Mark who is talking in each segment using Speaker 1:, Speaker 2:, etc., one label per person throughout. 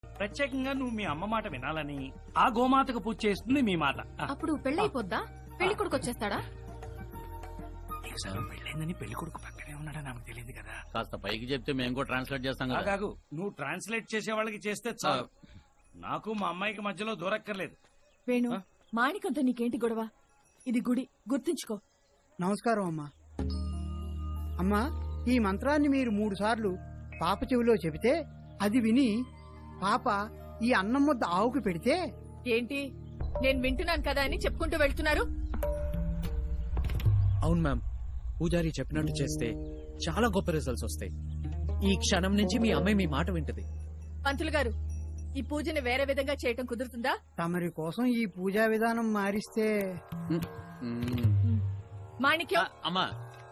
Speaker 1: ప్రత్యేకంగా నువ్వు మీ అమ్మ మాట వినాలని ఆ గోమాతకు పూజ చేస్తుంది మీ మాత.
Speaker 2: అప్పుడు పెళ్ళైపోద్దా? పెళ్లి కొడుకు వచ్చేస్తాడా?
Speaker 1: నీకు సగం పెళ్ళైందని పెళ్లి కొడుకు పక్కనే ఉన్నాడని నాకు తెలియదు కదా.
Speaker 3: కాస్త పైకి చెప్తే మేము కూడా ట్రాన్స్లేట్ చేస్తాం కదా.
Speaker 1: కాదు, నువ్వు ట్రాన్స్లేట్ చేసే వాళ్ళకి చేస్తే చాలు. నాకు మా అమ్మాయికి మధ్యలో దూరక్కర్లేదు.
Speaker 2: వేణు, మాణికంతో నీకేంటి గొడవ? ఇది గుడి, గుర్తుంచుకో.
Speaker 4: నమస్కారం అమ్మా. అమ్మా, ఈ మంత్రాన్ని మీరు 3 సార్లు పాప చెవిలో చెబితే అది విని పాప ఈ అన్నం ముద్ద ఆవుకు పెడితే.
Speaker 2: ఏంటి, నేను వింటున్నాను కదా అని చెప్పుకుంటూ వెళ్తున్నారు?
Speaker 5: అవును మ్యామ్, పూజారి చెప్పినట్టు చేస్తే చాలా గొప్ప రిజల్ట్స్ వస్తాయి. ఈ క్షణం నుంచి మీ అమ్మాయి మీ మాట వింటది.
Speaker 2: పంతులు గారు, ఈ పూజని వేరే విధంగా చేయటం కుదురుతుందా?
Speaker 4: తమరి కోసం ఈ పూజా విధానం మారిస్తే.
Speaker 2: మాణిక్యం,
Speaker 3: అమ్మా,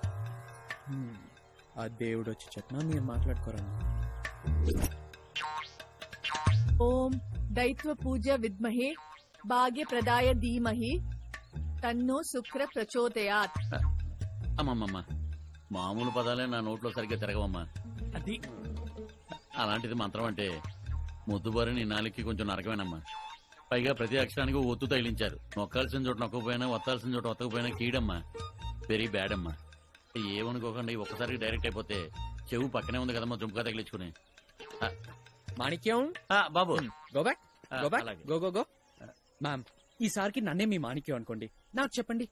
Speaker 5: ఆ దేవుడు వచ్చి చెప్పినా మీరు మాట్లాడుకోరా.
Speaker 2: ఓం దైత్వ పూజ విద్మహే భాగ్య ప్రదాయ ధీమహి తన్నో శుక్ర ప్రచోదయాత్.
Speaker 3: అమ్మమ్మమ్మ, మామూలు పదాలే నా నోట్లో సరిగ్గా తిరగవమ్మా.
Speaker 1: అది
Speaker 3: అలాంటిది మంత్రం అంటే ముద్దుబారి నీ నాలుగుకి కొంచెం నరకమేనమ్మా. పైగా ప్రతి అక్షరానికి ఒత్తు తగిలించారు. నొక్కాల్సిన చోట నొక్కకపోయినా, వత్తాల్సిన చోట వత్తకపోయినా కీడమ్మా. వెరీ బ్యాడ్ అమ్మా. ఏమనుకోకండి, ఒక్కసారి డైరెక్ట్ అయిపోతే చెవు పక్కనే ఉంది కదమ్మా, జుంపుగా తగిలించుకుని.
Speaker 5: మాణిక్యం,
Speaker 3: బాబు
Speaker 5: గో బ్యాక్, గో బ్యాక్,
Speaker 3: అలాగే.
Speaker 5: Go go go. మ్యామ్, ఈసారికి నన్నే మీ మాణిక్యం అనుకోండి. నాకు చెప్పండి,